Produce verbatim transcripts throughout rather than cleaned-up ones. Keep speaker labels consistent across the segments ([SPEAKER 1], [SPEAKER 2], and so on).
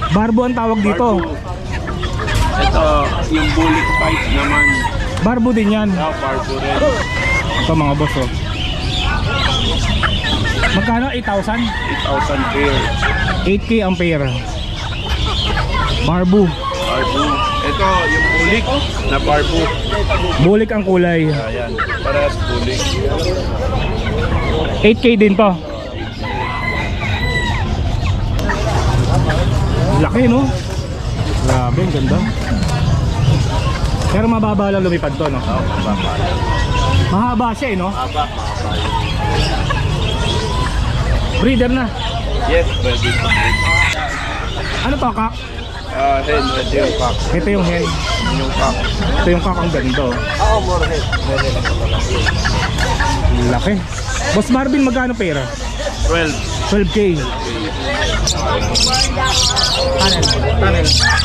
[SPEAKER 1] Barbo ang tawag dito.
[SPEAKER 2] Barbo. Ito, yung bullet fight naman.
[SPEAKER 1] Barbo din yan.
[SPEAKER 2] Ah, barbo rin.
[SPEAKER 1] Ito mga boss oh. Magkano? eight thousand?
[SPEAKER 2] eight thousand pair.
[SPEAKER 1] eight K ang pair. Barbo.
[SPEAKER 2] Barbo. Ito, yung bulik na barbo.
[SPEAKER 1] Bulik ang kulay.
[SPEAKER 2] Ayan, parehas bulik.
[SPEAKER 1] eight K din to. Laki no? Grabe, ang ganda. Pero mababa lang lumipad to, no?
[SPEAKER 2] Oo, mababa.
[SPEAKER 1] Mahaba siya eh, no?
[SPEAKER 2] Mababa, mababa.
[SPEAKER 1] Breeder na.
[SPEAKER 2] Yes, pwede.
[SPEAKER 1] Ano to, kak?
[SPEAKER 2] Ah, hen, ito yung pack.
[SPEAKER 1] Ito yung hen.
[SPEAKER 2] Yung pack.
[SPEAKER 1] Ito yung kak, ang ganda.
[SPEAKER 2] Oo, more hen.
[SPEAKER 1] Laki. Boss Marvin, magkano pera?
[SPEAKER 2] twelve.
[SPEAKER 1] twelve K. Tunnel. Tunnel.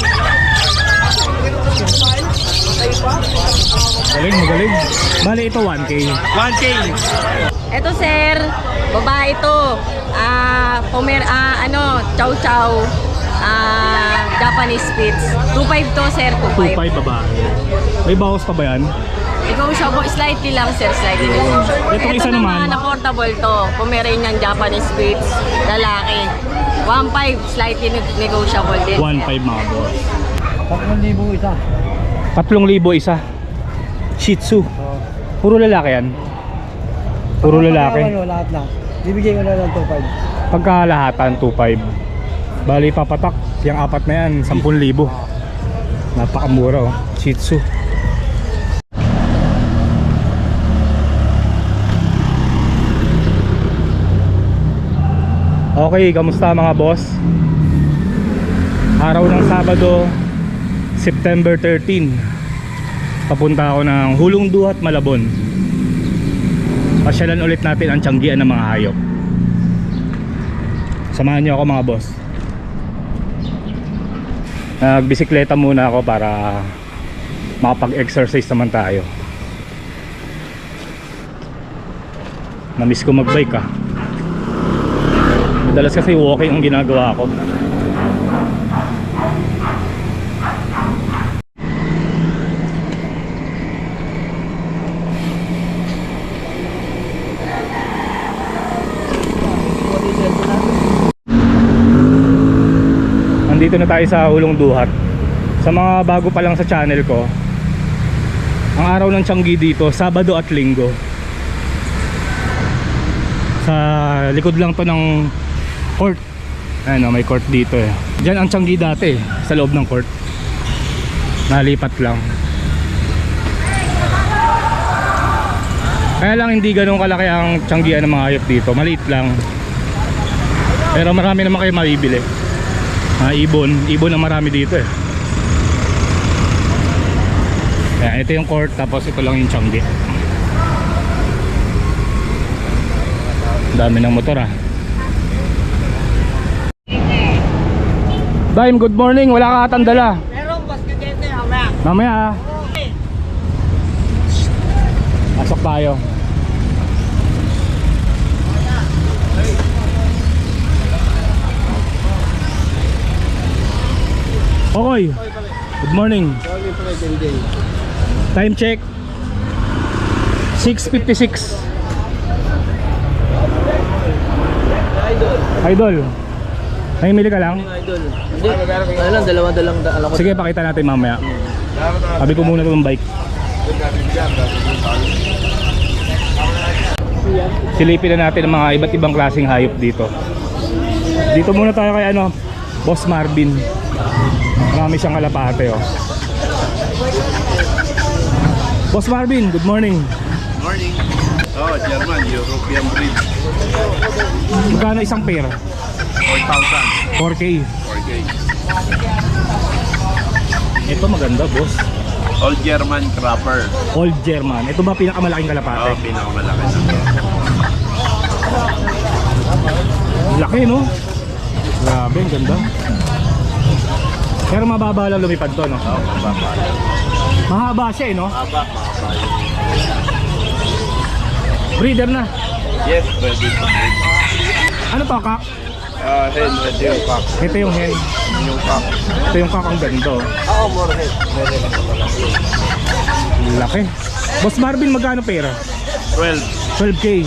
[SPEAKER 1] Galing, magaling. Bale, ito one K.
[SPEAKER 2] one K.
[SPEAKER 3] Eto sir, babae ito. Ah, pomer ah ano, chow chow. Ah, Japanese Spitz. two five to sir, two
[SPEAKER 1] two
[SPEAKER 3] five.
[SPEAKER 1] five babae. May bawas pa ba yan?
[SPEAKER 3] Ikaw siya po, slightly lang sir, slightly lang.
[SPEAKER 1] Itong
[SPEAKER 3] Ito
[SPEAKER 1] isa naman.
[SPEAKER 3] naman, affordable to. Pomeranian Japanese Spitz, lalaki. one five, slightly neg- negotiable din.
[SPEAKER 1] one five mga boss.
[SPEAKER 4] tatlong libo isa.
[SPEAKER 1] tatlong libo isa. Shih Tzu. Puro lalaki yan. Puro lalaki.
[SPEAKER 4] Ano, lahat lang. Bibigay ko na lang two five.
[SPEAKER 1] Pagkalahatan two five. Bali papatak. Yung apat na yan, ten libo. Napakamura oh. Shih Tzu. Okay, kamusta mga boss? Araw ng Sabado, September thirteen. Papunta ako ng Hulong Duhat, Malabon. Pasyalan ulit natin ang tiyanggian ng mga hayop. Samahan niyo ako mga boss. Nagbisikleta muna ako para makapag-exercise naman tayo. Namiss ko magbike ah. Madalas kasi walking ang ginagawa ko. Nandito na tayo sa Hulong Duhat. Sa mga bago pa lang sa channel ko, ang araw ng tianggi dito, Sabado at Linggo. Sa likod lang to ng court. Ano, may court dito eh. Diyan ang tianggi dati, sa loob ng court. Nalipat lang. Kaya lang hindi ganun kalaki ang tianggian ng mga hayop dito. Maliit lang. Pero marami naman kayo mabibili. Ah, ibon, ibon ang marami dito eh. Ayan, ito yung court, tapos ito lang yung tianggi. Dami ng motor ah. Daim, good morning. Wala ka atang dala.
[SPEAKER 4] Meron, bas ka dito, mamaya.
[SPEAKER 1] Mamaya ah. Pasok tayo. Okay. Good morning. Time check six fifty-six. Idol, namimili ka lang?
[SPEAKER 4] Idol. Hindi, ano lang, dalawa-dalang alam ko.
[SPEAKER 1] Sige, pakita natin mamaya. Sabi ko muna itong bike. Silipin na natin ang mga iba't ibang klaseng hayop dito. Dito muna tayo kay ano, Boss Marvin. Marami siyang kalapate oh. Boss Marvin, good morning.
[SPEAKER 2] Morning. Oh, German, European breed.
[SPEAKER 1] Magkano isang pair?
[SPEAKER 2] four thousand.
[SPEAKER 1] four K.
[SPEAKER 2] four K.
[SPEAKER 1] Ito maganda boss.
[SPEAKER 2] All German Crapper.
[SPEAKER 1] Old German. Ito ba pinakamalaking kalapate?
[SPEAKER 2] Oh, pinakamalaki na to.
[SPEAKER 1] Laki no? Grabe, ang ganda. Pero mababa lang lumipad to no?
[SPEAKER 2] Oh, mababa.
[SPEAKER 1] Mahaba siya eh no?
[SPEAKER 2] Mababa, mababa.
[SPEAKER 1] Breeder na.
[SPEAKER 2] Yes, pwede to breed.
[SPEAKER 1] Ano to kak?
[SPEAKER 2] Ah, hen, ito yung cock.
[SPEAKER 1] Ito yung hen.
[SPEAKER 2] Yung cock.
[SPEAKER 1] Ito yung kakang ganda. oh.
[SPEAKER 2] Oo, more hen. Meron ako pala.
[SPEAKER 1] Laki. Boss Marvin, magkano pera?
[SPEAKER 2] twelve.
[SPEAKER 1] twelve K.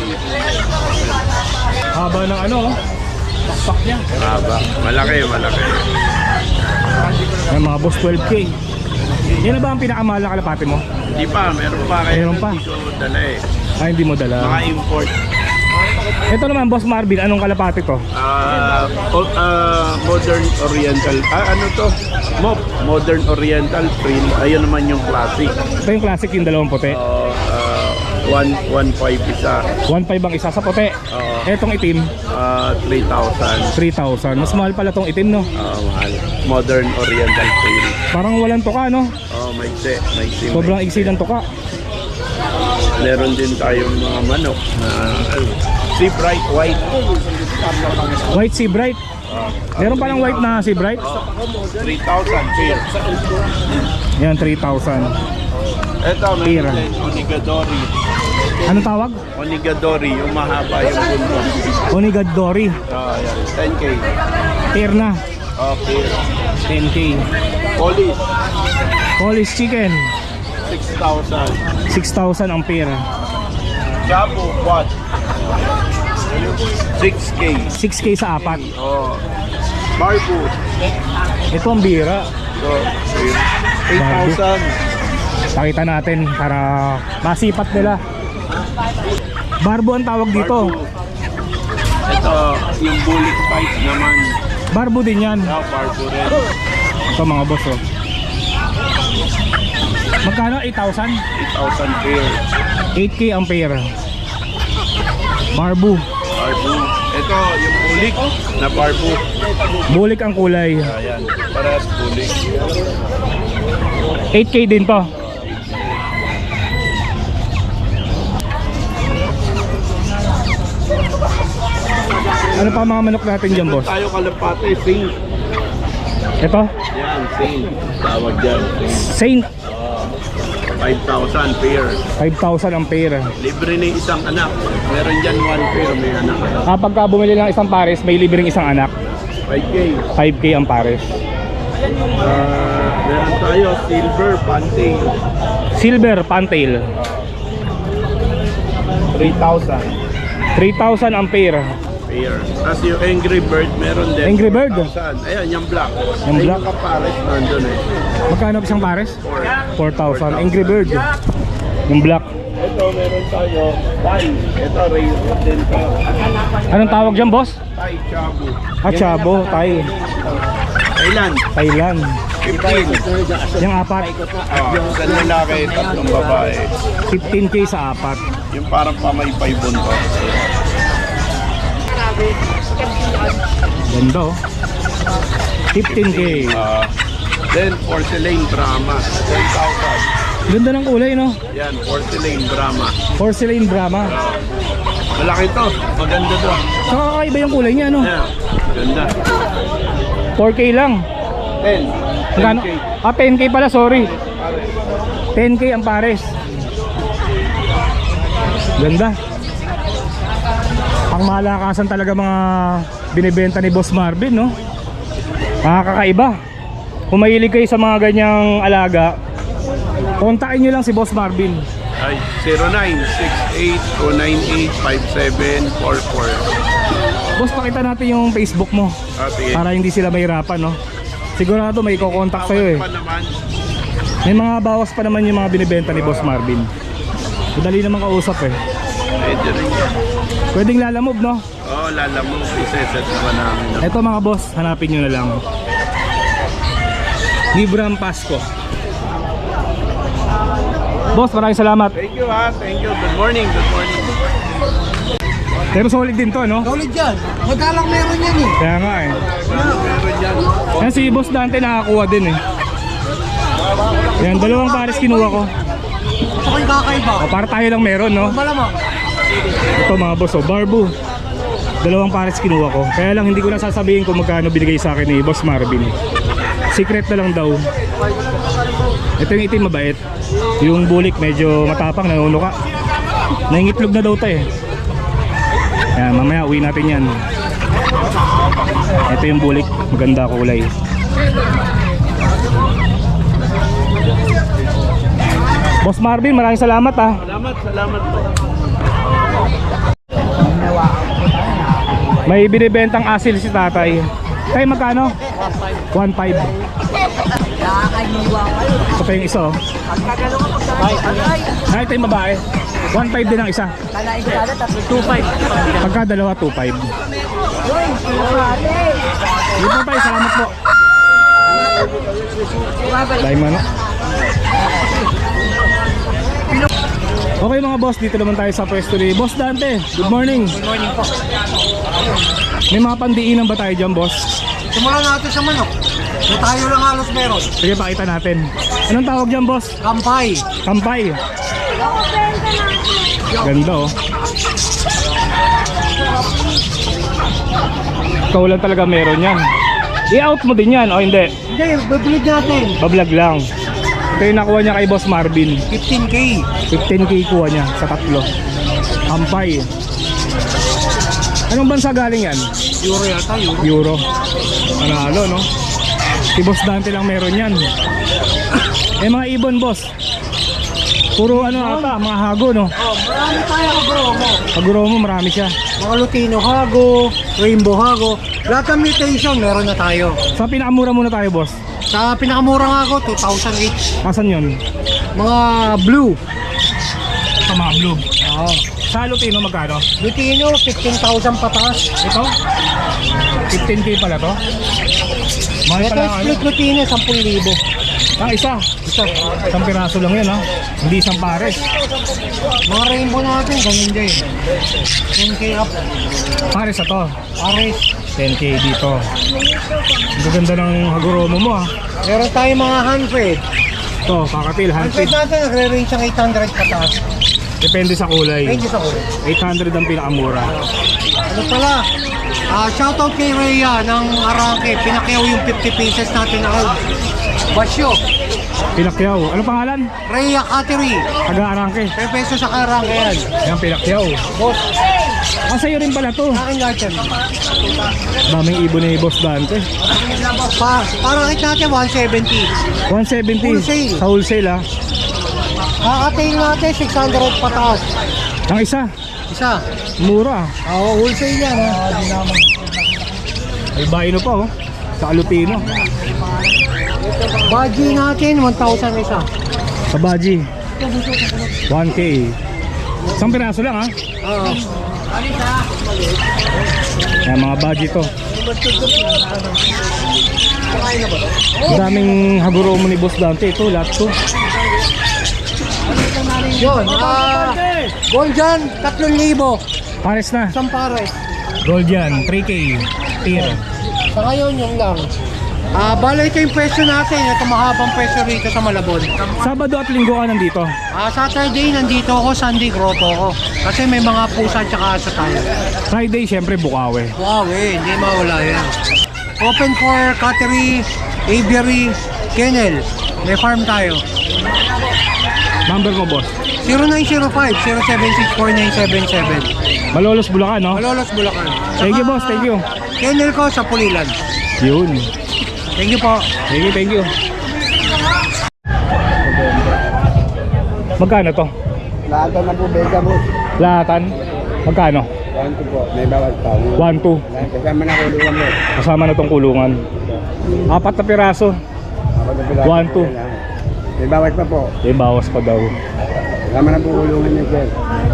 [SPEAKER 1] Haba ng ano, oh. Pakpak niya.
[SPEAKER 2] Haba. Malaki, malaki.
[SPEAKER 1] Ay, mga boss, twelve K. Yan na ba ang pinakamahal na kalapate mo?
[SPEAKER 2] Hindi pa, meron pa. Kaya
[SPEAKER 1] Meron pa.
[SPEAKER 2] Hindi ko dala eh.
[SPEAKER 1] Ay, hindi mo dala.
[SPEAKER 2] Mga import.
[SPEAKER 1] Ito naman, Boss Marvin, anong kalapate to?
[SPEAKER 2] Ah, o- ah, modern oriental. Ah, ano to? Mop. Modern oriental print. Ayun naman yung classic.
[SPEAKER 1] Ito yung classic, yung dalawang puti.
[SPEAKER 2] Oh, ah, one one five isa.
[SPEAKER 1] one five ang isa sa puti.
[SPEAKER 2] Oo.
[SPEAKER 1] Etong itim,
[SPEAKER 2] Ah, three thousand.
[SPEAKER 1] three thousand. Mas mahal pala tong itim, no?
[SPEAKER 2] Ah, mahal. Modern oriental print.
[SPEAKER 1] Parang walang tuka, no?
[SPEAKER 2] Oh, maigsi, maigsi.
[SPEAKER 1] Sobrang
[SPEAKER 2] maigsi.
[SPEAKER 1] iksi ng tuka.
[SPEAKER 2] Meron din tayong mga manok na ano, sea bright white.
[SPEAKER 1] White Sea Bright. Meron palang white na Sea Bright.
[SPEAKER 2] three thousand pair.
[SPEAKER 1] Yan, three thousand.
[SPEAKER 2] Ito,
[SPEAKER 1] Pair.
[SPEAKER 2] meron din Onigadori.
[SPEAKER 1] Anong tawag?
[SPEAKER 2] Onigadori, yung mahaba yung bundo.
[SPEAKER 1] Onigadori.
[SPEAKER 2] Oh, yan. ten K.
[SPEAKER 1] Pair na.
[SPEAKER 2] Oh, pair.
[SPEAKER 1] ten K.
[SPEAKER 2] Polish,
[SPEAKER 1] Polish chicken.
[SPEAKER 2] six thousand.
[SPEAKER 1] six thousand ang pair.
[SPEAKER 2] Chapo, what? six K.
[SPEAKER 1] six K sa apat.
[SPEAKER 2] Oh. Barbu.
[SPEAKER 1] Ito ang bira.
[SPEAKER 2] So, eight thousand.
[SPEAKER 1] Pakita natin para masipat nila. Barbo ang tawag dito.
[SPEAKER 2] Ito, yung bullet fight naman.
[SPEAKER 1] Barbo din yan.
[SPEAKER 2] Now, barbu rin.
[SPEAKER 1] Ito mga boss, oh. Magkano? eight thousand?
[SPEAKER 2] eight thousand pair.
[SPEAKER 1] eight K ang pair. Barbo.
[SPEAKER 2] Barbu. Ito, yung bulik na barbu.
[SPEAKER 1] Bulik ang kulay.
[SPEAKER 2] Ayan, parehas bulik.
[SPEAKER 1] eight K din to. Ano pa mga manok natin dyan, boss?
[SPEAKER 2] Tayo kalapate, sing.
[SPEAKER 1] Ito?
[SPEAKER 2] Yan, sing. Tawag dyan, sing.
[SPEAKER 1] Saint.
[SPEAKER 2] five thousand pair.
[SPEAKER 1] five thousand ang pair.
[SPEAKER 2] Libre na isang anak. Meron dyan one pair, may anak.
[SPEAKER 1] Kapag ka bumili ng isang pares, may libreng isang anak.
[SPEAKER 2] five K.
[SPEAKER 1] five K ang pares.
[SPEAKER 2] Ah, meron tayo, silver, panting.
[SPEAKER 1] Silver Pantail.
[SPEAKER 2] three thousand
[SPEAKER 1] three thousand ang pair.
[SPEAKER 2] pair. Tapos yung Angry Bird, meron din.
[SPEAKER 1] Angry Bird?
[SPEAKER 2] four thousand. Ayan, yung black.
[SPEAKER 1] Yung
[SPEAKER 2] Ay,
[SPEAKER 1] black?
[SPEAKER 2] Yung kapares, nandun eh.
[SPEAKER 1] Magkano isang pares?
[SPEAKER 2] Four.
[SPEAKER 1] four thousand. Angry Bird. Yung black.
[SPEAKER 2] Ito, meron tayo, Thai. Ito, rail din to.
[SPEAKER 1] Anong tawag dyan, boss?
[SPEAKER 2] Thai, Chabu.
[SPEAKER 1] Ah, Chabo, Thai.
[SPEAKER 2] Thailand,
[SPEAKER 1] Thailand.
[SPEAKER 2] fifteen.
[SPEAKER 1] Yung apat,
[SPEAKER 2] Oh, isang lalaki, tatlong babae.
[SPEAKER 1] fifteen K sa apat.
[SPEAKER 2] Yung parang pamaypay bunto.
[SPEAKER 1] Ganda, oh. fifteen K.
[SPEAKER 2] Ah, then, porcelain Brahma. ten thousand.
[SPEAKER 1] Ganda ng kulay, no?
[SPEAKER 2] Yan, porcelain Brahma.
[SPEAKER 1] Porcelain Brahma.
[SPEAKER 2] Ah, malaki to. Maganda to.
[SPEAKER 1] Saka kakaiba yung kulay niya, no?
[SPEAKER 2] Yan, ganda.
[SPEAKER 1] four K lang.
[SPEAKER 2] ten.
[SPEAKER 1] Magkano?
[SPEAKER 2] ten K.
[SPEAKER 1] Ah, ten K pala, sorry. ten K ang pares. Ganda. Pang malakasan talaga mga binibenta ni Boss Marvin, no? Nakakaiba. Kung mahilig kayo sa mga ganyang alaga, kontakin nyo lang si Boss Marvin.
[SPEAKER 2] Ay, zero nine six eight two nine eight five seven four four.
[SPEAKER 1] Boss, pakita natin yung Facebook mo
[SPEAKER 2] Ah, sige.
[SPEAKER 1] para hindi sila mahirapan, no? Sigurado may kukontak sa'yo, eh.
[SPEAKER 2] Pa naman.
[SPEAKER 1] May mga bawas pa naman yung mga binibenta ni Boss Marvin. Madali naman kausap, eh.
[SPEAKER 2] Pwede rin yan.
[SPEAKER 1] Pwedeng lalamove, no?
[SPEAKER 2] Oo, lala mo. Iseset naman namin.
[SPEAKER 1] Eto mga boss, hanapin nyo na lang. Librang Pasko. Boss, maraming salamat.
[SPEAKER 2] Thank you ha. Thank you. Good morning. Good morning.
[SPEAKER 1] Pero solid din to, no?
[SPEAKER 4] Solid yan. Magkalang meron yan eh.
[SPEAKER 1] Kaya nga, eh.
[SPEAKER 2] Meron dyan.
[SPEAKER 1] Yan si Boss Dante nakakuha din, eh. Yan, dalawang pares kinuha ko.
[SPEAKER 4] Ito ko yung kakaiba.
[SPEAKER 1] O, para tayo lang meron, no?
[SPEAKER 4] Malamang.
[SPEAKER 1] Ito mga boss, oh, Barbu. Dalawang pares kinuha ko. Kaya lang hindi ko na sasabihin kung magkano binigay sa akin ni Boss Marvin. Secret na lang daw. Ito yung itim mabait. Yung bulik medyo matapang, nanunuka. Nangingitlog na daw tayo, eh. Yan, mamaya uwi natin yan. Ito yung bulik, maganda kulay. Boss Marvin, maraming salamat ah.
[SPEAKER 2] Salamat, salamat po.
[SPEAKER 1] May binibentang asil si tatay. Tay, magkano? one five. Ito pa yung isa oh. Ay, ito yung babae. one five din ang isa. two five. Pagka dalawa, two five. Hindi po tayo, salamat po. Dahil mo na. Okay mga boss, dito naman tayo sa pwesto ni Boss Dante. Good morning.
[SPEAKER 4] Good morning po.
[SPEAKER 1] May mga pandiinan ba tayo dyan, boss?
[SPEAKER 4] Simulan natin sa manok. So tayo lang halos meron.
[SPEAKER 1] Sige, pakita natin. Anong tawag dyan, boss?
[SPEAKER 4] Kampay.
[SPEAKER 1] Kampay. Ganda oh. Ikaw lang talaga meron yan. I-out mo din yan, o hindi?
[SPEAKER 4] Hindi, bablog natin.
[SPEAKER 1] Bablog lang. Ito yung nakuha niya kay Boss Marvin.
[SPEAKER 4] fifteen K.
[SPEAKER 1] fifteen K kuha niya sa tatlo. Kampay. Anong bansa galing yan?
[SPEAKER 4] Euro yata, euro.
[SPEAKER 1] Euro. Panalo, no? Si Boss Dante lang meron yan. Eh mga ibon, boss. Puro ano ata, mga hago, no?
[SPEAKER 4] Oh, marami tayo kagromo.
[SPEAKER 1] Paguro mo, marami siya.
[SPEAKER 4] Mga Lutino hago, Rainbow hago. Lahat ng mutation meron na tayo.
[SPEAKER 1] Sa pinakamura muna tayo, boss.
[SPEAKER 4] Sa pinakamura nga ako, two thousand each.
[SPEAKER 1] Asan yun?
[SPEAKER 4] Mga blue.
[SPEAKER 1] Sa mga blue.
[SPEAKER 4] Oo.
[SPEAKER 1] Sa Lutino, magkano?
[SPEAKER 4] Lutino, fifteen thousand pataas.
[SPEAKER 1] Ito? fifteen K pala to? Mahal
[SPEAKER 4] Ito
[SPEAKER 1] pala
[SPEAKER 4] yung
[SPEAKER 1] ang ano?
[SPEAKER 4] split Lutino, ten thousand.
[SPEAKER 1] Ah, isa.
[SPEAKER 4] Isa.
[SPEAKER 1] Isang piraso lang yan, ha? Hindi isang pares.
[SPEAKER 4] Mga rainbow natin, ganun din. ten K up.
[SPEAKER 1] Pares na to.
[SPEAKER 4] Pares.
[SPEAKER 1] ten K dito. Ang ganda ng Hagoromo mo, ha?
[SPEAKER 4] Meron tayo mga hundred.
[SPEAKER 1] Ito, kakatil,
[SPEAKER 4] Hundred
[SPEAKER 1] one hundred.
[SPEAKER 4] natin, nagre-range ng eight hundred pataas.
[SPEAKER 1] Depende sa kulay.
[SPEAKER 4] Thank you sa ulo.
[SPEAKER 1] eight hundred ang pinakamura.
[SPEAKER 4] Ano pala? Ah, shoutout kay Rhea ng Arangke. Pinakyaw yung fifty pieces natin na out. Basyo.
[SPEAKER 1] Pinakyaw. Ano pangalan?
[SPEAKER 4] Rhea Cattery.
[SPEAKER 1] Taga-Arangke.
[SPEAKER 4] ten pesos sa Arangke yan.
[SPEAKER 1] Yan, Pinakyaw.
[SPEAKER 4] Boss,
[SPEAKER 1] Ah, sa'yo rin pala to.
[SPEAKER 4] akin lahat yan.
[SPEAKER 1] Daming ibon ni Boss Dante.
[SPEAKER 4] Pa, parang hit natin one seventy.
[SPEAKER 1] one seventy.
[SPEAKER 4] Wholesale.
[SPEAKER 1] Sa wholesale, ha?
[SPEAKER 4] Kakatail natin six hundred pataas.
[SPEAKER 1] Ang isa.
[SPEAKER 4] Isa.
[SPEAKER 1] Mura.
[SPEAKER 4] Oo, wholesale yan. Ha?
[SPEAKER 1] May bayino pa, oh. Sa Lutino.
[SPEAKER 4] Baji natin, one thousand isa.
[SPEAKER 1] Sa Baji. one K. Isang piraso lang, ha?
[SPEAKER 4] Oo.
[SPEAKER 1] Yan, mga Baji to. Ang daming Hagoromo ni Boss Dante. Ito, lahat to.
[SPEAKER 4] Yun, ah, gold dyan, tatlong libo.
[SPEAKER 1] Pares na.
[SPEAKER 4] Isang pares.
[SPEAKER 1] Gold yan, three K. Tier.
[SPEAKER 4] Sa ngayon, yun lang. Ah, bala ito yung presyo natin. Ito mahabang presyo rito sa Malabon.
[SPEAKER 1] Sabado at linggo ka nandito.
[SPEAKER 4] Ah, Saturday, nandito ako. Sunday, grotto ako. Kasi may mga pusa at saka asa tayo.
[SPEAKER 1] Friday, syempre, Bukawi.
[SPEAKER 4] Wow, eh, hindi mawala yan. Open for cattery, aviary, kennel. May farm tayo.
[SPEAKER 1] Number mo, boss.
[SPEAKER 4] zero nine zero five, zero seven six four nine seven seven.
[SPEAKER 1] Malolos, Bulacan, no?
[SPEAKER 4] Malolos, Bulacan.
[SPEAKER 1] Thank you,
[SPEAKER 4] Saka,
[SPEAKER 1] boss. Thank you.
[SPEAKER 4] Kennel ko sa Pulilan.
[SPEAKER 1] Yun.
[SPEAKER 4] Thank you po.
[SPEAKER 1] Thank you, thank you. Magkano to?
[SPEAKER 5] Lahat na po, Beka mo.
[SPEAKER 1] Lahatan? Magkano?
[SPEAKER 5] Yan ko po, may bawat pa.
[SPEAKER 1] one two.
[SPEAKER 5] Kasama na kulungan mo.
[SPEAKER 1] Kasama na tong kulungan. Apat na piraso. One, two.
[SPEAKER 5] May bawat pa po.
[SPEAKER 1] Eh, bawas pa daw.
[SPEAKER 5] Kasama na po kulungan niyo, sir.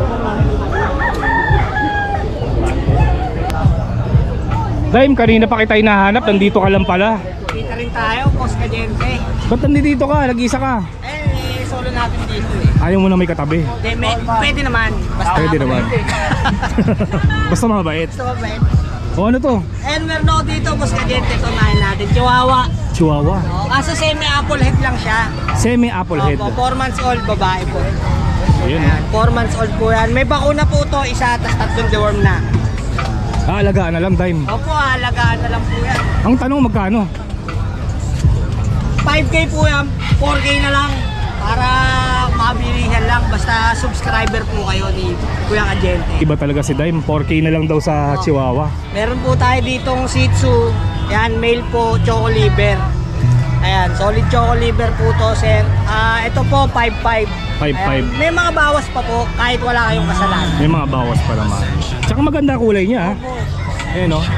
[SPEAKER 1] Dime, kanina pa kita hinahanap. Nandito ka lang pala.
[SPEAKER 6] Kita rin tayo, Boss Caliente.
[SPEAKER 1] Ba't nandito ka? Nag-isa ka?
[SPEAKER 6] Eh, solo natin dito eh.
[SPEAKER 1] Ayaw mo na may katabi.
[SPEAKER 6] De, may, pwede naman. Basta
[SPEAKER 1] Pwede naman. Basta mabait.
[SPEAKER 6] Basta mabait.
[SPEAKER 1] O ano to?
[SPEAKER 6] And meron ako dito, Boss Caliente. Ito nahin natin. Chihuahua.
[SPEAKER 1] Chihuahua.
[SPEAKER 6] Oh, kaso semi-apple head lang siya.
[SPEAKER 1] Semi-apple head.
[SPEAKER 6] Opo, four months old, babae po.
[SPEAKER 1] Ayun.
[SPEAKER 6] Ayan, four months old po yan. May bakuna po to, isa, tas tatlong deworm na.
[SPEAKER 1] Aalagaan na lang, Dime.
[SPEAKER 6] Opo, alagaan na lang po yan.
[SPEAKER 1] Ang tanong, magkano?
[SPEAKER 6] five K po yan, four K na lang. Para mabilisan lang. Basta subscriber po kayo ni Kuya Kajente.
[SPEAKER 1] Iba talaga si Dime, four K na lang daw sa Chihuahua.
[SPEAKER 6] Meron po tayo ditong Shih Tzu. Yan, male po, Choco Liver. Ayan, solid Choco Liver po to, sir. Ah, ito po, five five.
[SPEAKER 1] five five.
[SPEAKER 6] May mga bawas pa po, kahit wala kayong kasalanan.
[SPEAKER 1] May mga bawas pa naman. Tsaka maganda kulay niya ha. Ayan o.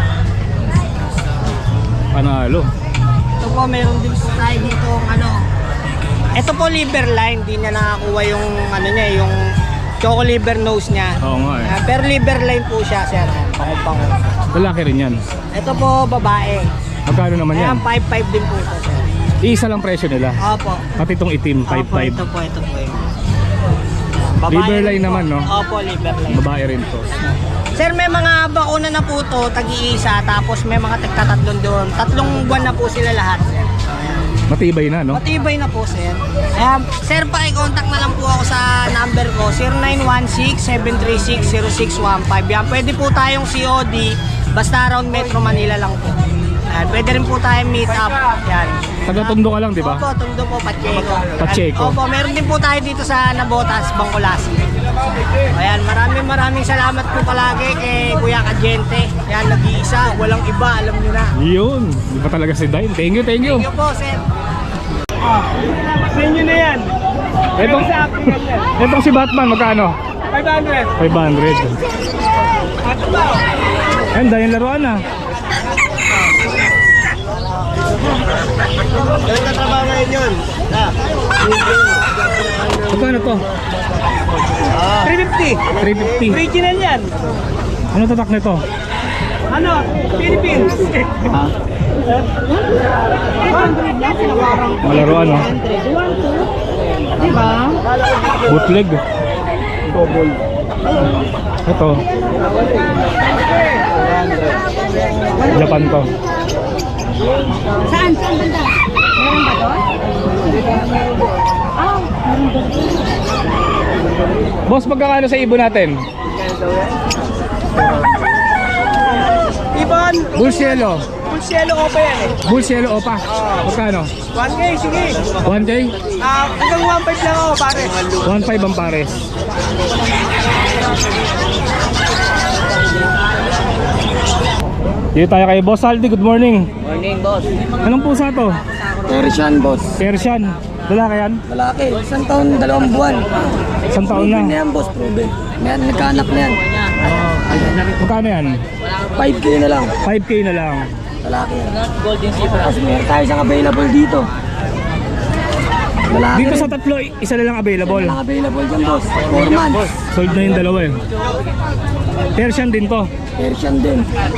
[SPEAKER 1] Panalo.
[SPEAKER 6] Ito po, meron din tayo dito ano. Ito po liver line, di niya nakakuha yung ano niya, yung Choco Liver nose niya.
[SPEAKER 1] Oo nga eh.
[SPEAKER 6] Ah, pero liver line po siya, sir. Pango-pango.
[SPEAKER 1] Lalaki rin yan.
[SPEAKER 6] Ito po, babae.
[SPEAKER 1] Magkano naman yan?
[SPEAKER 6] Ayan, five five din po ito, sir.
[SPEAKER 1] Isa lang presyo nila.
[SPEAKER 6] Opo.
[SPEAKER 1] Pati itong itim, five
[SPEAKER 6] Opo,
[SPEAKER 1] five.
[SPEAKER 6] ito po, ito po. Yun.
[SPEAKER 1] Liver
[SPEAKER 6] rin
[SPEAKER 1] line
[SPEAKER 6] po.
[SPEAKER 1] naman, no?
[SPEAKER 6] Opo, liver line.
[SPEAKER 1] Babae rin to.
[SPEAKER 6] Sir, may mga bakuna na po to, tag-iisa, tapos may mga tagtatatlong doon. Tatlong buwan na po sila lahat, sir.
[SPEAKER 1] Matibay na, no?
[SPEAKER 6] Matibay na po, sir. Ayan, sir, paki-contact na lang po ako sa number ko, zero nine one six, seven three six, zero six one five. Yan, pwede po tayong C O D, basta around Metro Manila lang po. Ayan, pwede rin po tayong meet up. Yan.
[SPEAKER 1] Taga-Tondo ka lang, di ba?
[SPEAKER 6] Opo, Tondo po, Pacheco.
[SPEAKER 1] Pacheco.
[SPEAKER 6] Opo, meron din po tayo dito sa Nabotas, Bangkulasi. Ayan, maraming maraming salamat po palagi kay Kuya Kajente. Yan, nag-iisa, walang iba, alam nyo na.
[SPEAKER 1] Yun. Di ba talaga si Dime? Thank you, thank you.
[SPEAKER 6] Thank you po, sir.
[SPEAKER 4] Sa inyo na yan.
[SPEAKER 1] Itong, itong si Batman, magkano?
[SPEAKER 4] five hundred.
[SPEAKER 1] five hundred. Ayan, dahil laruan na.
[SPEAKER 4] Galing na trabaho ngayon yun.
[SPEAKER 1] Magkano to?
[SPEAKER 4] three fifty.
[SPEAKER 1] three fifty.
[SPEAKER 4] Original yan.
[SPEAKER 1] Ano tatak nito?
[SPEAKER 4] Ano? Philippines.
[SPEAKER 1] Malaruan, no? Bootleg. Ito. Japan to.
[SPEAKER 3] Saan? Saan banda? Meron ba doon? Ah, meron doon.
[SPEAKER 1] Boss, magkakano sa ibon natin?
[SPEAKER 4] Ibon.
[SPEAKER 1] Bull Cielo.
[SPEAKER 4] Full cielo ko pa yan eh.
[SPEAKER 1] Bull Cielo Opa. Magkano?
[SPEAKER 4] one K, sige.
[SPEAKER 1] one K?
[SPEAKER 4] Ah, hanggang one five lang ako, pare.
[SPEAKER 1] one five ang pares. Dito tayo kay Boss Aldi. Good morning.
[SPEAKER 6] Morning, boss.
[SPEAKER 1] Anong pusa to?
[SPEAKER 6] Persian, boss.
[SPEAKER 1] Persian. Lalaki yan?
[SPEAKER 6] Malaki. Isang taon, dalawang buwan.
[SPEAKER 1] Isang taon na.
[SPEAKER 6] yan, boss, proven. Yan, nagkaanak na yan.
[SPEAKER 1] Magkano yan?
[SPEAKER 6] five K na lang.
[SPEAKER 1] five K na lang.
[SPEAKER 6] Lalaki. Golden Zebra. Tapos meron tayo isang available dito. Lalaki
[SPEAKER 1] Dito
[SPEAKER 6] rin.
[SPEAKER 1] sa tatlo, isa na lang available.
[SPEAKER 6] Walang available dyan, boss. four months.
[SPEAKER 1] Sold na yung dalawa eh. Persian din to.
[SPEAKER 6] Persian din.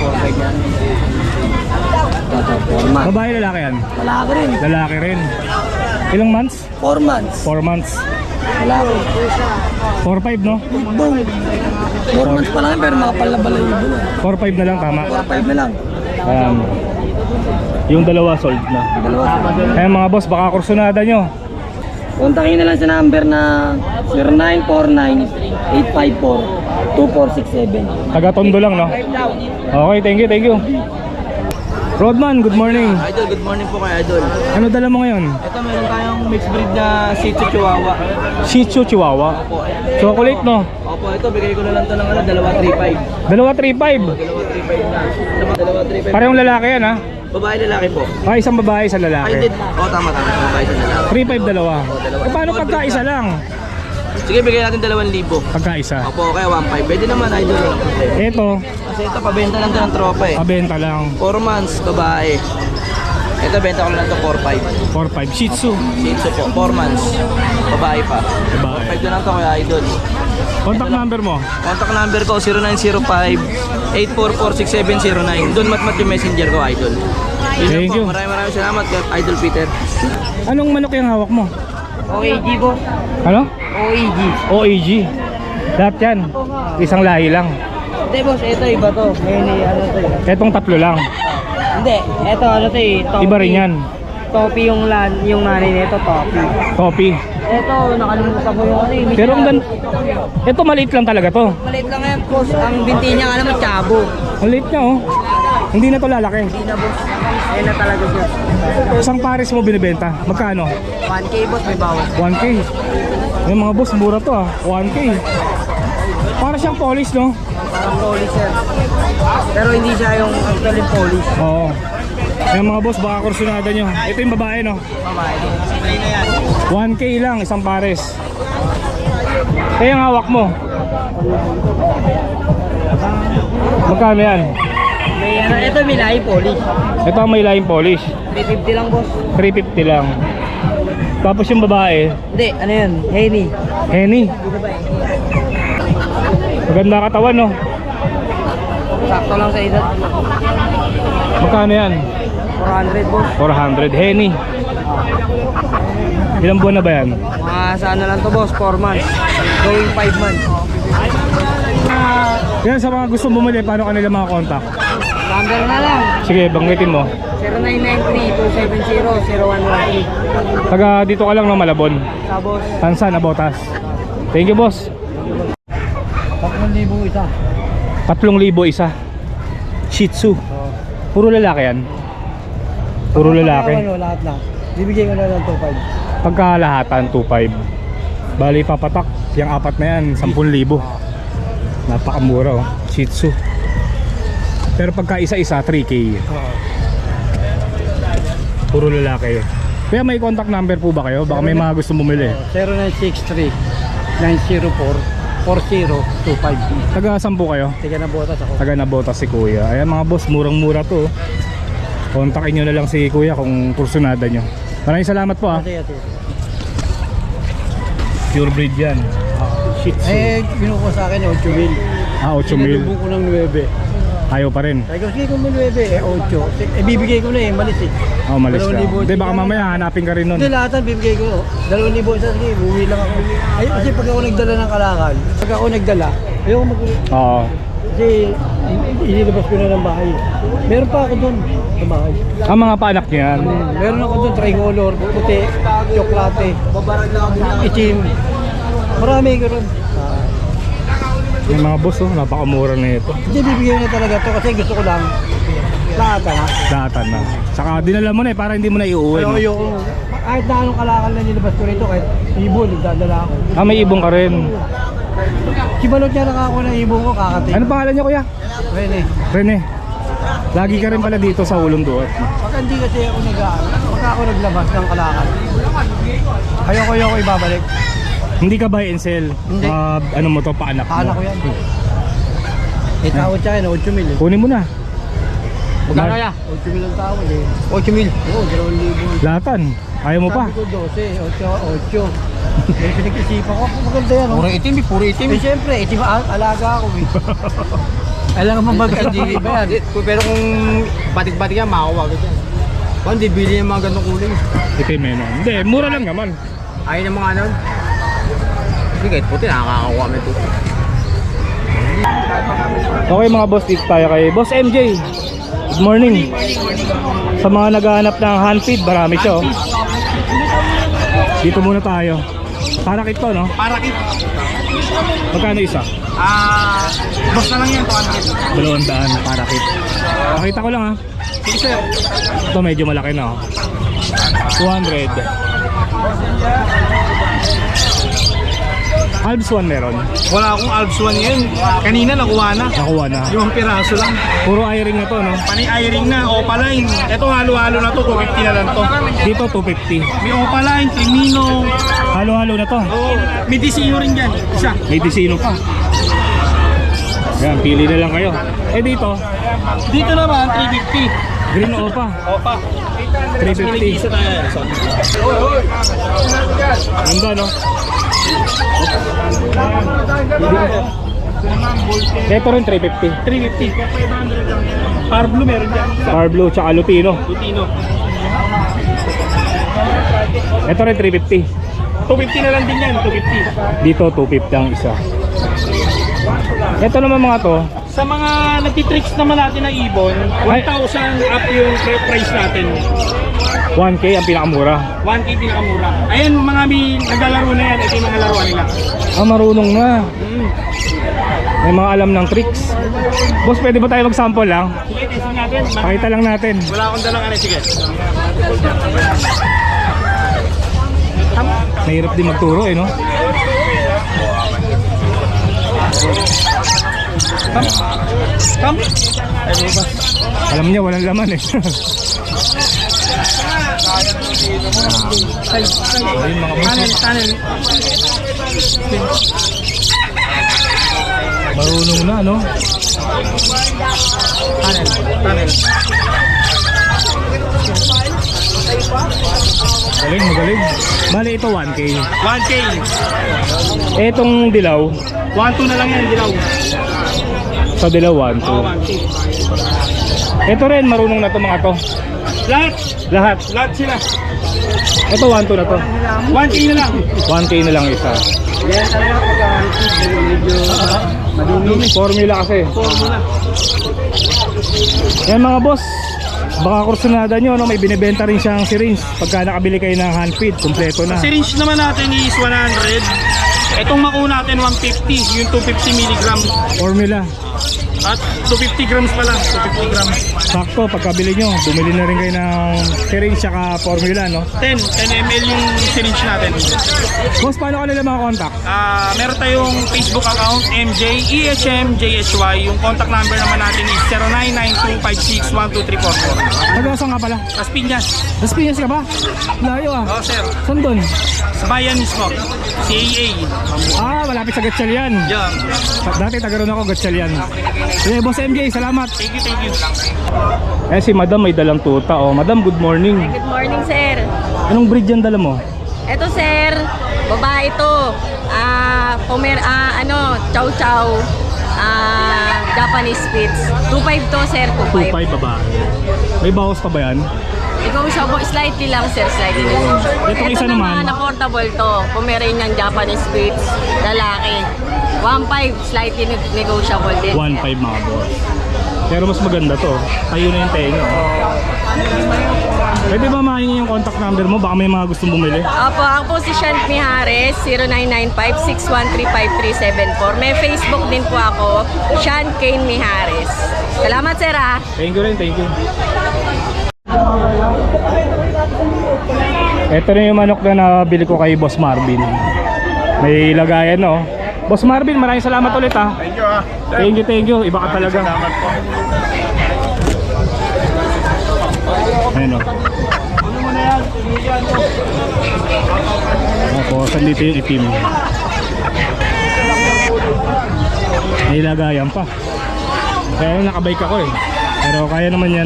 [SPEAKER 6] Toto, four months.
[SPEAKER 1] Babae, lalaki yan?
[SPEAKER 6] Lalaki rin.
[SPEAKER 1] Lalaki rin. Ilang months?
[SPEAKER 6] four months.
[SPEAKER 1] four months.
[SPEAKER 6] Lalaki.
[SPEAKER 1] four five, no?
[SPEAKER 6] Boom. four months pa lang yan, pero makapal na balayibo na.
[SPEAKER 1] four five na lang, tama.
[SPEAKER 6] four five na lang.
[SPEAKER 1] Ayan. Yung dalawa sold na.
[SPEAKER 6] Dalawa.
[SPEAKER 1] Kaya mga boss, baka kursunada nyo.
[SPEAKER 6] Kontakin na lang sa number na zero nine four nine, eight five four, two four six seven.
[SPEAKER 1] Taga Tondo lang, no? Okay, thank you, thank you. Rodman, good morning.
[SPEAKER 7] Idol, good morning po kay Idol.
[SPEAKER 1] Ano dala mo ngayon?
[SPEAKER 7] Ito meron tayong mixed breed na Shih Tzu Chihuahua.
[SPEAKER 1] Shih Tzu Chihuahua.
[SPEAKER 7] Opo,
[SPEAKER 1] Chocolate, no?
[SPEAKER 7] opo, ito bigay ko na lang to ng ano, dalawa three five.
[SPEAKER 1] Dalawa three five.
[SPEAKER 7] Dalawa three five na. Dalawa, dalawa three five.
[SPEAKER 1] Parehong lalaki yan, ha?
[SPEAKER 7] Babae lalaki po.
[SPEAKER 1] Ah, isang babae, isang
[SPEAKER 7] Ay,
[SPEAKER 1] lalaki.
[SPEAKER 7] did. Oh, tama tama. Babae sa lalaki.
[SPEAKER 1] three five dalawa.
[SPEAKER 7] dalawa.
[SPEAKER 1] Eh, paano pagka isa lang?
[SPEAKER 7] Sige, bigay natin dalawang libo.
[SPEAKER 1] Pagka isa.
[SPEAKER 7] Opo, kaya one five. Pwede naman Idol.
[SPEAKER 1] Ito,
[SPEAKER 7] Kasi ito, pabenta lang to ng tropa eh.
[SPEAKER 1] pabenta lang.
[SPEAKER 7] four months, babae. Ito, benta ko lang to four five.
[SPEAKER 1] four five. Shih Tzu.
[SPEAKER 7] Shih Tzu po, four months. Babae pa.
[SPEAKER 1] Babae.
[SPEAKER 7] five na lang to kaya Idol.
[SPEAKER 1] Contact number mo?
[SPEAKER 7] Contact number ko zero nine zero five, eight four four, six seven zero nine. Doon matmat yung messenger ko, Idol. Yun lang
[SPEAKER 1] Thank
[SPEAKER 7] po.
[SPEAKER 1] you.
[SPEAKER 7] Maraming maraming salamat kay Idol Peter.
[SPEAKER 1] Anong manok yung hawak mo?
[SPEAKER 6] O A G po.
[SPEAKER 1] Ano?
[SPEAKER 6] O A G.
[SPEAKER 1] O A G. Lahat yan. Isang lahi lang.
[SPEAKER 6] Hindi, boss, ito iba to. Ngayon eh, ano to eh.
[SPEAKER 1] Etong tatlo lang.
[SPEAKER 6] Hindi, ito ano to eh. Topi.
[SPEAKER 1] Iba rin yan.
[SPEAKER 6] Topi yung, lan, yung nanay nito, topi.
[SPEAKER 1] Copy.
[SPEAKER 6] Ito, nakalimutan ko yung ano eh.
[SPEAKER 1] Pero ang gan... Ito maliit lang talaga to.
[SPEAKER 6] Maliit lang yan, boss. Ang binti niya, alam mo, chabo.
[SPEAKER 1] Maliit niya, oh. Hindi na to lalaki.
[SPEAKER 6] Hindi na boss. Ayun na talaga siya.
[SPEAKER 1] Isang pares mo binibenta. Magkano?
[SPEAKER 6] one K boss, may bawas.
[SPEAKER 1] one K. Yung mga boss, mura to ah. one K. Para siyang polish, no?
[SPEAKER 6] Parang polish sir. Pero hindi siya yung actually polish.
[SPEAKER 1] Oo. Yung mga boss, baka kursunada nyo. Ito yung babae, no?
[SPEAKER 6] Babae. Spray na yan.
[SPEAKER 1] one K lang, isang pares. Kaya yung hawak mo. Magkano yan?
[SPEAKER 6] May ano, ito may lahi polish.
[SPEAKER 1] Ito ang may line polish.
[SPEAKER 6] three fifty lang boss.
[SPEAKER 1] three fifty lang. Tapos yung babae,
[SPEAKER 6] Hindi, ano yun? Henny.
[SPEAKER 1] Henny. Maganda katawan, no?
[SPEAKER 6] Sakto lang sa edad.
[SPEAKER 1] Magkano yan?
[SPEAKER 6] four hundred boss.
[SPEAKER 1] four hundred. Henny. Ilang buwan na ba yan?
[SPEAKER 6] Mga sa ano lang to boss, four months. Going five months.
[SPEAKER 1] Yan, sa mga gusto bumili, paano kanila mga contact?
[SPEAKER 6] Number na lang.
[SPEAKER 1] Sige, banggitin mo.
[SPEAKER 6] zero nine nine three two seven zero zero one one three.
[SPEAKER 1] Taga dito ka lang ng Malabon.
[SPEAKER 6] Sa boss.
[SPEAKER 1] Tansan, Abotas. Thank you, boss.
[SPEAKER 4] tatlong libo isa.
[SPEAKER 1] tatlong libo isa. Shih Tzu. Puro lalaki yan. Puro lalaki.
[SPEAKER 4] Ano, lahat na. Bibigay ko na lang two five.
[SPEAKER 1] Pagkalahatan, two five. Bali, papatak. Yung apat na yan, ten libo. Napakamura, oh. Shih Tzu. Pero pagka isa-isa, three K. Puro lalaki. Kaya may contact number po ba kayo? Baka may mga gusto bumili.
[SPEAKER 4] zero nine six three nine zero four four zero two five.
[SPEAKER 1] Taga saan po kayo?
[SPEAKER 4] Tiga na botas ako.
[SPEAKER 1] Taga Nabota si Kuya. Ayan mga boss, murang-mura to. Kontakin nyo na lang si Kuya kung kursunada nyo. Maraming salamat po, ha.
[SPEAKER 4] Ate, ate.
[SPEAKER 1] Pure breed yan. Shih Tzu.
[SPEAKER 4] Eh, binuko sa akin eight mil.
[SPEAKER 1] Ah, eight mil.
[SPEAKER 4] Sinalubong ko ng nine.
[SPEAKER 1] Ayaw pa rin.
[SPEAKER 4] Sabi ko, sige kung may nine, eh eight. Eh, bibigay ko na eh, malis eh.
[SPEAKER 1] Oh, malis ka.
[SPEAKER 4] Dalawang libo.
[SPEAKER 1] Hindi, baka mamaya hanapin ka rin nun.
[SPEAKER 4] Hindi, lahatan bibigay ko. Dalawang libo isa, sige, uwi lang ako. Ay, kasi pag ako nagdala ng kalakal, pag ako nagdala, ayoko mag
[SPEAKER 1] Oo.
[SPEAKER 4] kasi inilabas ko na ng bahay. Meron pa ako doon sa bahay.
[SPEAKER 1] Ang mga paanak nyo yan.
[SPEAKER 4] Hmm, meron ako doon, tricolor, puti, tsoklate, itim. Marami ko ron. Ah,
[SPEAKER 1] Yung mga boss, oh, napakamura na ito.
[SPEAKER 4] Hindi, bibigyan na talaga to kasi gusto ko lang lahatan ha.
[SPEAKER 1] Datan na. Saka dinala mo na eh, para hindi mo na iuwi.
[SPEAKER 4] Pero
[SPEAKER 1] No?
[SPEAKER 4] ayoko, kahit na anong kalakal na nilabas ko rito, kahit ibon, nagdadala ako.
[SPEAKER 1] Ah, may ibong ka rin.
[SPEAKER 4] Si Balot niya nakako ng ibon ko, kakati.
[SPEAKER 1] Ano pangalan niya, Kuya?
[SPEAKER 4] Rene,
[SPEAKER 1] Rene. Lagi ka rin pala dito sa Ulong Duot.
[SPEAKER 4] pag hindi kasi ako nag pagka ako naglabas ng kalakal, ayoko ayoko ibabalik.
[SPEAKER 1] Hindi ka buy and sell.
[SPEAKER 4] Hindi.
[SPEAKER 1] Ah, ano mo to, paanak mo.
[SPEAKER 4] Kaanak ko yan. Eh, tawad siya yun, eight mil eh.
[SPEAKER 1] Kunin mo na.
[SPEAKER 4] Magkano kaya? eight mil ang tawad eh. eight mil? Oo, dalawang libo.
[SPEAKER 1] Lahatan. Ayaw mo pa.
[SPEAKER 4] Sabi ko twelve, eight, eight. Eh, pinag-isipan ko, maganda yan. Oh.
[SPEAKER 7] Puro itim, eh, puro itim.
[SPEAKER 4] Eh, siyempre, itim, al- alaga ako eh. Alam mo mag-ano ba yan?
[SPEAKER 7] Pero kung batik-batik yan, makakuha ka dyan. Kung hindi, bili yung mga ganong kulay.
[SPEAKER 1] Itim eh, no? Hindi, mura lang naman.
[SPEAKER 7] Ayaw ng mga ano. Hindi, kahit puti, nakakakuha mo ito.
[SPEAKER 1] Okay mga boss, dito tayo kay Boss M J. Good morning. Sa mga naghahanap ng hand feed, marami siya, oh. Dito muna tayo. Parakit to, no?
[SPEAKER 2] Parakit.
[SPEAKER 1] Magkano isa?
[SPEAKER 2] Ah, boss na lang yan, two hundred.
[SPEAKER 1] Dalawang daan, parakit. Nakita ko lang, ha.
[SPEAKER 2] Sige sir.
[SPEAKER 1] Ito medyo malaki na, oh. two hundred. Alps one meron.
[SPEAKER 2] Wala akong Alps one ngayon. Kanina nakuha na.
[SPEAKER 1] Nakuha na.
[SPEAKER 2] Limang piraso lang.
[SPEAKER 1] Puro i-ring na to, no?
[SPEAKER 2] Panay i-ring na, Opaline. Ito halo-halo na to, two fifty na lang to.
[SPEAKER 1] Dito two fifty.
[SPEAKER 2] May Opaline, Trimino.
[SPEAKER 1] Halo-halo na to.
[SPEAKER 2] Oh, may Disino rin dyan. Isa.
[SPEAKER 1] May disino pa. Yan, pili na lang kayo. Eh dito,
[SPEAKER 2] Dito naman, three fifty.
[SPEAKER 1] green opa.
[SPEAKER 2] Opa.
[SPEAKER 1] three fifty.
[SPEAKER 2] Isa tayo.
[SPEAKER 1] Ganda, no? Ito rin three fifty.
[SPEAKER 2] three fifty. Power Blue meron dyan.
[SPEAKER 1] Power Blue tsaka Lutino.
[SPEAKER 2] Lutino.
[SPEAKER 1] Ito rin three fifty.
[SPEAKER 2] two fifty na lang din yan, two fifty.
[SPEAKER 1] Dito two fifty ang isa. Ito naman mga to,
[SPEAKER 2] Sa mga nagtitricks naman natin ng ibon, one thousand up yung price natin.
[SPEAKER 1] one K ang pinakamura.
[SPEAKER 2] one K pinakamura. Ayan, mga may naglalaro na yan. Ito yung mga laruan nila.
[SPEAKER 1] Ah, marunong na.
[SPEAKER 2] Mm.
[SPEAKER 1] May mga alam ng tricks. Boss, pwede ba tayo mag-sample lang?
[SPEAKER 2] Sige, testing natin. akin. Mga-
[SPEAKER 1] Pakita lang natin.
[SPEAKER 2] Wala akong dalang ano, sige.
[SPEAKER 1] Mahirap din magturo eh, no?
[SPEAKER 2] Come.
[SPEAKER 1] Alam niya, walang laman eh. Ayun mga boss.
[SPEAKER 2] Tunnel, tunnel.
[SPEAKER 1] Marunong na, no?
[SPEAKER 2] Tunnel, tunnel.
[SPEAKER 1] Galing, magaling. Bale, ito one K.
[SPEAKER 2] one K.
[SPEAKER 1] Etong dilaw,
[SPEAKER 2] one two na lang yan, dilaw.
[SPEAKER 1] sa dilaw one two.
[SPEAKER 2] Oh, one two.
[SPEAKER 1] Ito rin, marunong na to mga to.
[SPEAKER 2] Lahat.
[SPEAKER 1] Lahat.
[SPEAKER 2] Lahat sila.
[SPEAKER 1] Ito one two na to.
[SPEAKER 2] one K na lang.
[SPEAKER 1] one K na lang isa.
[SPEAKER 5] Yan talaga pag medyo
[SPEAKER 1] Madumi. Formula kasi.
[SPEAKER 2] Formula.
[SPEAKER 1] Yan mga boss. Baka kursunada nyo, no? May binibenta rin siyang syringe. Pagka nakabili kayo ng hand feed, kompleto na.
[SPEAKER 2] Syringe naman natin is one hundred. Itong maku natin one fifty, yung two fifty milligram.
[SPEAKER 1] Formula.
[SPEAKER 2] At two fifty grams pa lang, two fifty grams.
[SPEAKER 1] Sakto, pagkabili nyo, bumili na rin kayo ng syringe saka formula, no?
[SPEAKER 2] ten, ten milliliters yung syringe natin.
[SPEAKER 1] Boss, paano ka nila makakontakt?
[SPEAKER 2] Ah, meron tayong Facebook account, M J E H M J H Y. Yung contact number naman natin is zero nine nine two five six one two three four four.
[SPEAKER 1] Nag-asang nga pala.
[SPEAKER 2] Las Piñas.
[SPEAKER 1] Las Piñas ka ba? Layo ah.
[SPEAKER 2] Oh, sir.
[SPEAKER 1] Saan doon?
[SPEAKER 2] Sa bayan mismo. C A A.
[SPEAKER 1] Ah, malapit sa Gatchalian.
[SPEAKER 2] Yan.
[SPEAKER 1] Dati tagaroon ako Gatchalian. Eh, Boss M J, salamat.
[SPEAKER 2] Thank you, thank you.
[SPEAKER 1] Eh, si Madam may dalang tuta. Oh, Madam, good morning.
[SPEAKER 3] Good morning, sir.
[SPEAKER 1] Anong breed yan dala mo?
[SPEAKER 3] Ito, sir. Babae ito. Ah, Pomer, ah, ano, chow chow. Ah, Japanese Spitz. two five to, sir. two
[SPEAKER 1] two
[SPEAKER 3] five.
[SPEAKER 1] five babae. May bawas pa ba yan?
[SPEAKER 3] Ikaw siya po, slightly lang, sir. Slightly lang.
[SPEAKER 1] Itong
[SPEAKER 3] Ito
[SPEAKER 1] isa naman.
[SPEAKER 3] naman, na portable to. Pomeranian Japanese Spitz. Lalaki. one five, slightly neg- negotiable din.
[SPEAKER 1] one five mga boss. Pero mas maganda to. Tayo na yung tenga. Pwede ba mahingi yung contact number mo? Baka may mga gustong bumili.
[SPEAKER 3] Opo, ang po si Sean Mijares, zero nine nine five six one three five three seven four. May Facebook din po ako, Sean Kane Mijares. Salamat, sir, ah.
[SPEAKER 1] Thank you rin, thank you. Ito na yung manok na nabili ko kay Boss Marvin. May lagayan, no? Boss Marvin, maraming salamat ulit, ha?
[SPEAKER 2] Thank you, ah.
[SPEAKER 1] Thank you, thank you. Iba ka talaga.
[SPEAKER 2] Salamat po.
[SPEAKER 1] Ayun, o. Tapos, andito yung itim. May lagayan pa. Kaya nakabike ako eh. Pero kaya naman yan.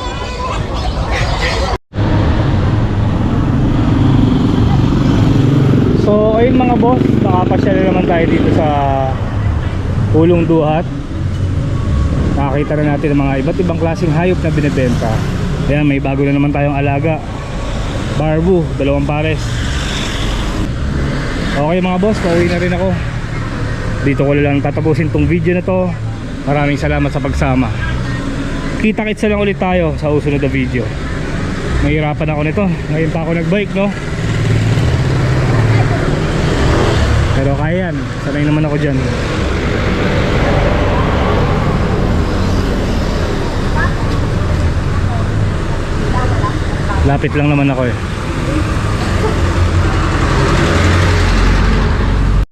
[SPEAKER 1] So ayun mga boss, nakapasyal na naman tayo dito sa Pulong Duhat. Nakakita na natin ang mga iba't ibang klaseng hayop na binibenta. Ayan, may bago na naman tayong alaga, Barbu, dalawang pares. Okay mga boss, pauwi na rin ako. Dito ko lang tatapusin tong video na to. Maraming salamat sa pagsama. Kita-kitsa lang ulit tayo sa susunod na video. Mahirapan ako nito, ngayon pa ako nagbike, no? Pero kaya yan, sanay naman ako dyan. Lapit lang naman ako eh.